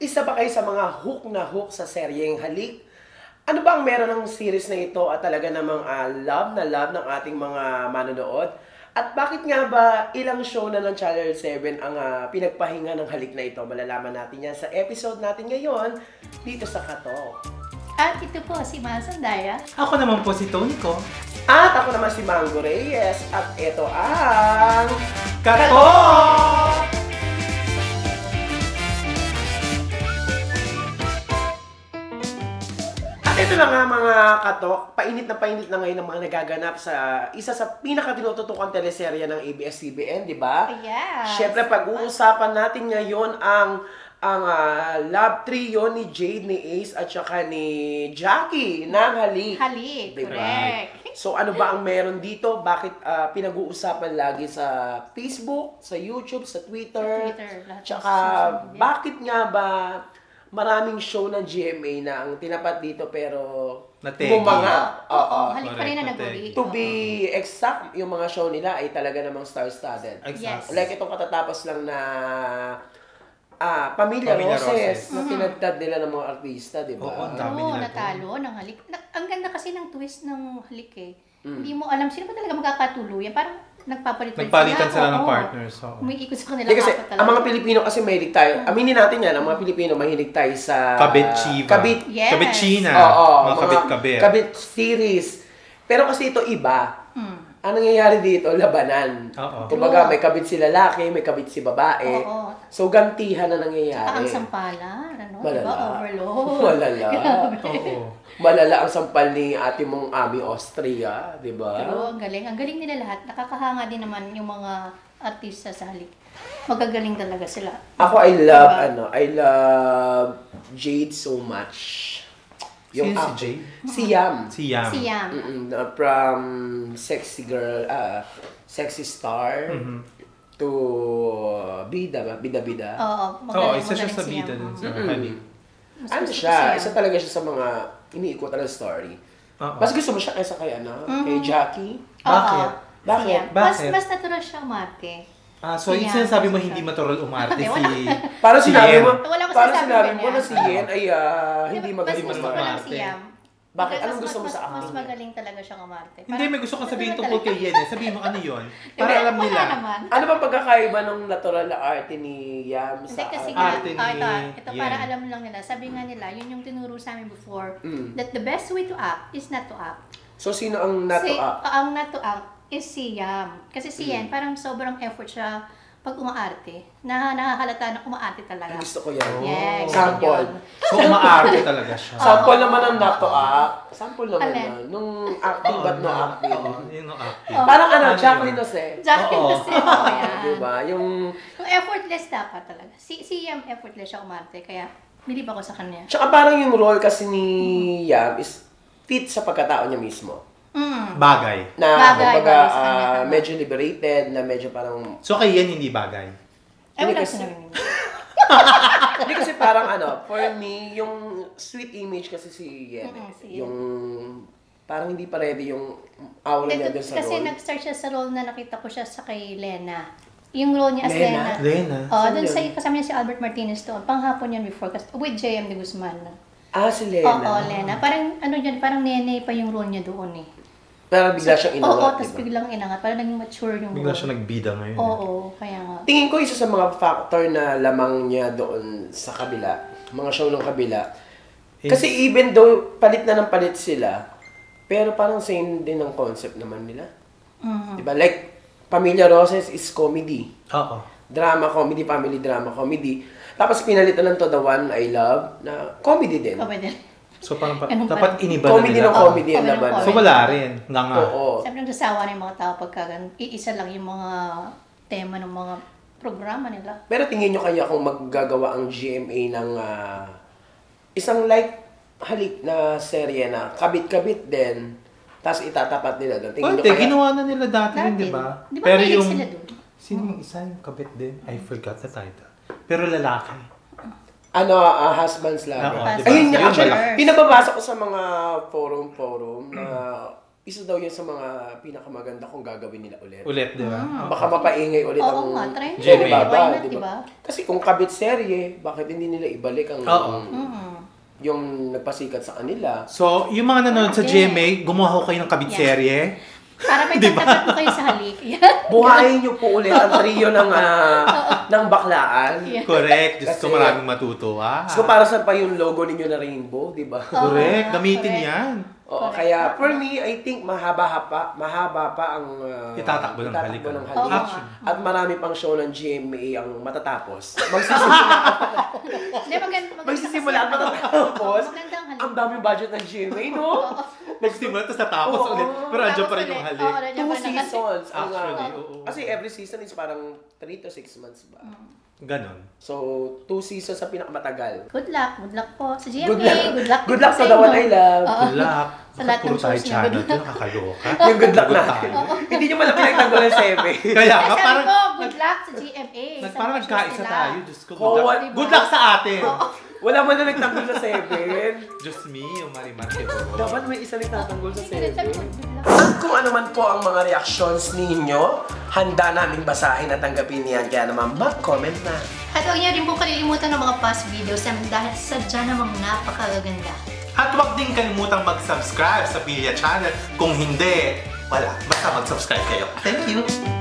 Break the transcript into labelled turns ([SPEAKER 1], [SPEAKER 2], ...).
[SPEAKER 1] Isa ba kayo sa mga hook na hook sa seryeng Halik? Ano ba ang meron ng series na ito at talaga namang love na love ng ating mga manonood? At bakit nga ba ilang show na ng Channel 7 ang pinagpahinga ng Halik na ito? Malalaman natin yan sa episode natin ngayon dito sa Katok.
[SPEAKER 2] At ito po si Masandaya.
[SPEAKER 3] Ako naman po si Tony ko.
[SPEAKER 1] At ako naman si Mango Reyes. At ito ang...
[SPEAKER 3] Katok!
[SPEAKER 1] Ito na nga mga katok, painit na ngayon ang mga nagaganap sa isa sa pinakatinututukang teleserye ng ABS-CBN, di ba?
[SPEAKER 2] Yes.
[SPEAKER 1] Siyempre, pag-uusapan natin ngayon ang love trio ni Jade, ni Ace, at saka ni Jackie ng Halik.
[SPEAKER 2] Halik,
[SPEAKER 1] Diba?
[SPEAKER 2] correct.
[SPEAKER 1] So ano ba ang meron dito? Bakit pinag-uusapan lagi sa Facebook, sa YouTube, sa Twitter?
[SPEAKER 2] lahat ng
[SPEAKER 1] Tsaka
[SPEAKER 2] social media.
[SPEAKER 1] bakit nga ba maraming show ng GMA na ang tinapat dito pero
[SPEAKER 3] Nategi.
[SPEAKER 1] bumanga? Oo.
[SPEAKER 2] Halik pa rin na
[SPEAKER 3] Correct,
[SPEAKER 2] nag-uli.
[SPEAKER 1] To be exact, yung mga show nila ay talaga namang star-studded.
[SPEAKER 2] Yes.
[SPEAKER 1] Like itong katatapos lang na Pamilya Roses na tinagtad nila ng mga artista, di ba?
[SPEAKER 3] Oo, ang dami
[SPEAKER 2] Oo,
[SPEAKER 3] nila
[SPEAKER 2] natalo ng Halik. Ang ganda kasi ng twist ng Halik eh. Hindi mo alam sino ba talaga magkakatuluyan. Parang
[SPEAKER 3] Nagpalitan sila ng partners. So.
[SPEAKER 2] Umiikot sa kanila.
[SPEAKER 1] Hindi kasi, ang mga Pilipino kasi mahilig tayo. Aminin natin yan, ang mga Pilipino mahilig tayo sa...
[SPEAKER 3] Kabit-chiva.
[SPEAKER 2] Yes.
[SPEAKER 3] Kabit-china.
[SPEAKER 1] Oo,
[SPEAKER 3] mga kabit-kabit.
[SPEAKER 1] Kabit series. Pero kasi ito iba. Ang nangyayari dito, labanan.
[SPEAKER 3] Oo.
[SPEAKER 1] Kumbaga, may kabit si lalaki, may kabit si babae.
[SPEAKER 2] Oo.
[SPEAKER 1] So, gantihan na nangyayari.
[SPEAKER 2] Ang sampalan, ano?
[SPEAKER 1] Malala.
[SPEAKER 2] Diba? Overload.
[SPEAKER 1] Malala.
[SPEAKER 3] Oo.
[SPEAKER 1] Malala ang sampal ni ate mong Ami Austria, di ba?
[SPEAKER 2] Pero ang galing. Ang galing nila lahat. Nakakahanga din naman yung mga artista sa Halik. Magagaling talaga sila.
[SPEAKER 1] Ako, I love,
[SPEAKER 2] Diba?
[SPEAKER 1] I love Jade so much.
[SPEAKER 3] Sino si
[SPEAKER 1] actor-
[SPEAKER 3] Jade?
[SPEAKER 1] Si Yam.
[SPEAKER 3] Si Yam.
[SPEAKER 2] Si Yam.
[SPEAKER 1] From sexy girl, sexy star, to bida ba? Bida-bida.
[SPEAKER 2] Oo.
[SPEAKER 3] Oo, isa siya
[SPEAKER 2] magaling
[SPEAKER 3] sa
[SPEAKER 2] si
[SPEAKER 3] bida
[SPEAKER 2] Yam.
[SPEAKER 3] dun sa Halik.
[SPEAKER 2] Mas
[SPEAKER 1] Ano
[SPEAKER 2] gusto ko
[SPEAKER 1] siya?
[SPEAKER 2] si Yam.
[SPEAKER 1] Isa talaga siya sa mga iniikutan ng story.
[SPEAKER 3] Oo.
[SPEAKER 1] Mas gusto mo siya kaysa kay kay Jackie?
[SPEAKER 3] Bakit?
[SPEAKER 2] Oo.
[SPEAKER 1] Bakit?
[SPEAKER 2] Si Yam.
[SPEAKER 3] Bakit?
[SPEAKER 2] Mas natural siya umarte.
[SPEAKER 3] So
[SPEAKER 2] Si
[SPEAKER 3] yung
[SPEAKER 2] Yam.
[SPEAKER 3] sinasabi mo hindi matural umarte
[SPEAKER 2] Hindi,
[SPEAKER 3] si...
[SPEAKER 2] wala.
[SPEAKER 1] Para
[SPEAKER 3] si
[SPEAKER 1] sinabi
[SPEAKER 3] Yen.
[SPEAKER 1] mo,
[SPEAKER 2] Wala akong
[SPEAKER 1] para
[SPEAKER 2] sinasabi
[SPEAKER 1] sinabi mo
[SPEAKER 2] ganyan.
[SPEAKER 1] na si Yen ay hindi magaling
[SPEAKER 2] Mas gusto ko lang
[SPEAKER 3] umarte.
[SPEAKER 2] si Yam.
[SPEAKER 1] Bakit?
[SPEAKER 2] Mas-
[SPEAKER 1] Anong gusto mo
[SPEAKER 2] mas-
[SPEAKER 1] sa
[SPEAKER 2] Mas
[SPEAKER 1] acting?
[SPEAKER 2] magaling talaga siyang umarte.
[SPEAKER 3] Hindi, may gusto kong sabihin
[SPEAKER 2] natural
[SPEAKER 3] tungkol
[SPEAKER 2] talaga.
[SPEAKER 3] kay Yen eh. Sabihin mo ano yun? Para
[SPEAKER 2] Hindi,
[SPEAKER 3] alam nila.
[SPEAKER 2] Wala naman.
[SPEAKER 1] Ano ba pagkakaiba ng natural na arte ni Yam
[SPEAKER 2] Hindi
[SPEAKER 1] sa
[SPEAKER 2] kasi
[SPEAKER 3] arte
[SPEAKER 2] nga,
[SPEAKER 3] ni
[SPEAKER 2] ito
[SPEAKER 3] Yen.
[SPEAKER 2] para alam lang nila, sabi nga nila, yun yung tinuro sa amin before,
[SPEAKER 1] Mm.
[SPEAKER 2] that the best way to act is not to act.
[SPEAKER 1] So, sino ang nato-up?
[SPEAKER 2] Ang not to act is si Yam. Kasi si Yen, parang sobrang effort siya pag umaarte. Nakahalata na umaarte talaga.
[SPEAKER 1] Gusto ko yan.
[SPEAKER 2] Yes.
[SPEAKER 1] Sample.
[SPEAKER 2] yun.
[SPEAKER 3] So umaarte talaga siya.
[SPEAKER 1] Sample naman ang nato-up. Sample naman
[SPEAKER 2] Alin?
[SPEAKER 1] na. Nung acting but no acting.
[SPEAKER 3] Oo, yun ang acting.
[SPEAKER 1] Parang
[SPEAKER 3] Ano
[SPEAKER 1] Jacqueline
[SPEAKER 3] yun?
[SPEAKER 1] Jose.
[SPEAKER 2] Jacqueline
[SPEAKER 3] Oo.
[SPEAKER 2] kasi, oh, yan.
[SPEAKER 1] Diba? Yung...
[SPEAKER 2] Yung effortless dapat talaga. Si Yam, effortless siya umarte. Kaya, bilib ako sa kanya.
[SPEAKER 1] Tsaka parang yung role kasi ni Yam is fit sa pagkatao niya mismo.
[SPEAKER 3] Bagay.
[SPEAKER 1] Na,
[SPEAKER 2] Bagay,
[SPEAKER 1] kumbaga,
[SPEAKER 2] bagay sa kanya.
[SPEAKER 1] medyo liberated, na medyo parang...
[SPEAKER 3] So kay Yen hindi bagay.
[SPEAKER 2] Ay,
[SPEAKER 1] Hindi
[SPEAKER 2] wala
[SPEAKER 1] kasi-
[SPEAKER 2] sinabi niya.
[SPEAKER 1] Hindi kasi parang for me, yung sweet image kasi si Yen.
[SPEAKER 2] Si Yen.
[SPEAKER 1] Yung... Parang hindi pa ready yung aura niya dun sa
[SPEAKER 2] Kasi
[SPEAKER 1] role.
[SPEAKER 2] nag-start siya sa role na nakita ko siya sa kay Lena. Yung role niya as
[SPEAKER 1] Lena?
[SPEAKER 2] Lena.
[SPEAKER 3] Lena?
[SPEAKER 2] Oh,
[SPEAKER 1] Saan
[SPEAKER 2] dun
[SPEAKER 1] yun?
[SPEAKER 2] sa kasama niya si Albert Martinez doon. Panghapon yan before kasi with J.M. de Guzman.
[SPEAKER 1] Si
[SPEAKER 2] Oo,
[SPEAKER 1] Lena.
[SPEAKER 2] Lena. Parang ano yun, parang nene pa yung role niya doon eh.
[SPEAKER 1] Pero bigla siyang
[SPEAKER 2] Oo,
[SPEAKER 1] inangat,
[SPEAKER 2] tapos
[SPEAKER 1] diba?
[SPEAKER 2] biglang inangat. Parang naging mature yung
[SPEAKER 3] Bigla
[SPEAKER 2] role.
[SPEAKER 3] siya nagbida ngayon.
[SPEAKER 2] Oo, kaya nga.
[SPEAKER 1] Tingin ko isa sa mga factor na lamang niya doon sa kabila, mga show ng kabila. Kasi even though palit na ng palit sila, pero parang same din ang concept naman nila. Diba? Like, Pamilya Roses is comedy.
[SPEAKER 3] Oo.
[SPEAKER 1] Drama, comedy, family drama, comedy. Tapos pinalitan ng To The One I Love na comedy din.
[SPEAKER 2] Kabay din.
[SPEAKER 3] So parang
[SPEAKER 2] Ganun
[SPEAKER 3] dapat
[SPEAKER 2] pa.
[SPEAKER 3] iniba na
[SPEAKER 1] Comedy
[SPEAKER 3] nila.
[SPEAKER 1] ng comedy ang
[SPEAKER 2] Comedy ng
[SPEAKER 1] laban.
[SPEAKER 2] comedy.
[SPEAKER 3] So wala rin. Nga nga.
[SPEAKER 1] Oo.
[SPEAKER 2] Sabi nang sasawa na yung mga tao pagka iisa lang yung mga tema ng mga programa nila.
[SPEAKER 1] Pero tingin nyo kaya kung maggagawa ang GMA ng isang like Halik na serye na kabit-kabit din, tapos itatapat nila doon. Tingin nyo
[SPEAKER 3] Pwede,
[SPEAKER 1] kaya...
[SPEAKER 3] ginawa na nila dati rin,
[SPEAKER 2] Dati.
[SPEAKER 3] di ba?
[SPEAKER 2] Di ba
[SPEAKER 3] Pero
[SPEAKER 2] mahilig
[SPEAKER 3] yung...
[SPEAKER 2] sila dun?
[SPEAKER 3] Sino yung isa yung kabit din? I forgot the title. Pero lalaki.
[SPEAKER 1] Husband's Lover.
[SPEAKER 3] Oo,
[SPEAKER 2] diba?
[SPEAKER 1] Ayun nga,
[SPEAKER 3] Yun
[SPEAKER 1] actually,
[SPEAKER 3] malaki.
[SPEAKER 1] pinababasa ko sa mga forum na isa daw yan sa mga pinakamaganda kung gagawin nila ulit.
[SPEAKER 3] Ulit, di ba?
[SPEAKER 1] Baka mapaingay ulit ang
[SPEAKER 2] Oo nga, try nila.
[SPEAKER 3] Jimmy.
[SPEAKER 1] Alibaba,
[SPEAKER 2] Why not,
[SPEAKER 1] diba?
[SPEAKER 2] diba?
[SPEAKER 1] Kasi kung kabit serye, bakit hindi nila ibalik ang yung nagpasikat sa kanila?
[SPEAKER 3] So, yung mga nanonood sa GMA, gumawa ko kayo ng kabit serye.
[SPEAKER 2] Para may pagtapat mo kayo sa halik.
[SPEAKER 1] Buhayin niyo po ulit ang trio ng baklaan.
[SPEAKER 2] Yeah.
[SPEAKER 3] Correct. Diyos ko,
[SPEAKER 1] Kasi-
[SPEAKER 3] maraming matutuwa.
[SPEAKER 1] So para saan pa yung logo ninyo na rainbow, di ba?
[SPEAKER 3] Correct. Gamitin
[SPEAKER 2] Correct.
[SPEAKER 3] yan.
[SPEAKER 1] Oo, kaya for me, I think mahaba pa ang
[SPEAKER 3] Itatakbo ng halik.
[SPEAKER 1] ng
[SPEAKER 2] Oo.
[SPEAKER 1] halik. At marami pang show ng GMA ang matatapos. Magsisimula
[SPEAKER 2] Hindi, maganda
[SPEAKER 1] magsisimula at matatapos.
[SPEAKER 2] Magandang halik.
[SPEAKER 1] Ang daming budget ng GMA, no?
[SPEAKER 3] Nagsimula, tapos natapos
[SPEAKER 1] Oo.
[SPEAKER 3] ulit. Pero andyan pa rin
[SPEAKER 2] Tapos
[SPEAKER 3] yung
[SPEAKER 2] ulit.
[SPEAKER 3] halik.
[SPEAKER 2] Oo, nandiyan
[SPEAKER 1] 2
[SPEAKER 2] pa rin ang halik.
[SPEAKER 1] seasons.
[SPEAKER 3] Actually, oo.
[SPEAKER 1] Kasi every season is parang 3 to 6 months ba?
[SPEAKER 3] Ganon.
[SPEAKER 1] So, 2 seasons sa pinakamatagal.
[SPEAKER 2] Good luck po sa GMA.
[SPEAKER 1] Good luck.
[SPEAKER 2] Good luck.
[SPEAKER 1] Good luck
[SPEAKER 2] sa
[SPEAKER 1] to the one
[SPEAKER 2] inyo.
[SPEAKER 1] I love.
[SPEAKER 2] Oo.
[SPEAKER 3] Good luck.
[SPEAKER 2] Sa lahat ng
[SPEAKER 3] Puro tayo
[SPEAKER 2] shows niya,
[SPEAKER 3] channel
[SPEAKER 2] good
[SPEAKER 3] to, nakakaloka.
[SPEAKER 1] Yung good luck
[SPEAKER 3] Good
[SPEAKER 1] natin.
[SPEAKER 3] tayo.
[SPEAKER 1] Hindi nyo pala pinagtanggol ng 7.
[SPEAKER 3] Kaya nga,
[SPEAKER 2] Sabi
[SPEAKER 3] parang,
[SPEAKER 2] ko, good luck sa GMA. sa
[SPEAKER 3] parang
[SPEAKER 2] mga shows
[SPEAKER 3] nagkaisa
[SPEAKER 2] nila.
[SPEAKER 3] tayo. Diyos ko,
[SPEAKER 1] Oh,
[SPEAKER 3] good luck.
[SPEAKER 1] what-
[SPEAKER 3] Good luck sa atin.
[SPEAKER 1] Wala man na nagtanggol sa 7.
[SPEAKER 3] Diyos me, yung Marimar Quevedo.
[SPEAKER 1] Dapat may isa nagtatanggol sa
[SPEAKER 2] Sige, sabi ko,
[SPEAKER 1] 7.
[SPEAKER 2] good luck.
[SPEAKER 1] At kung ano man po ang mga reactions ninyo, handa namin basahin at tanggapin yan. Kaya naman mag-comment na.
[SPEAKER 2] At huwag niyo rin po kalilimutan ng mga past videos namin dahil sadya namang napakaganda.
[SPEAKER 3] At huwag din kalimutang mag-subscribe sa Pilya Channel. Kung hindi, wala. Basta mag-subscribe kayo. Thank you!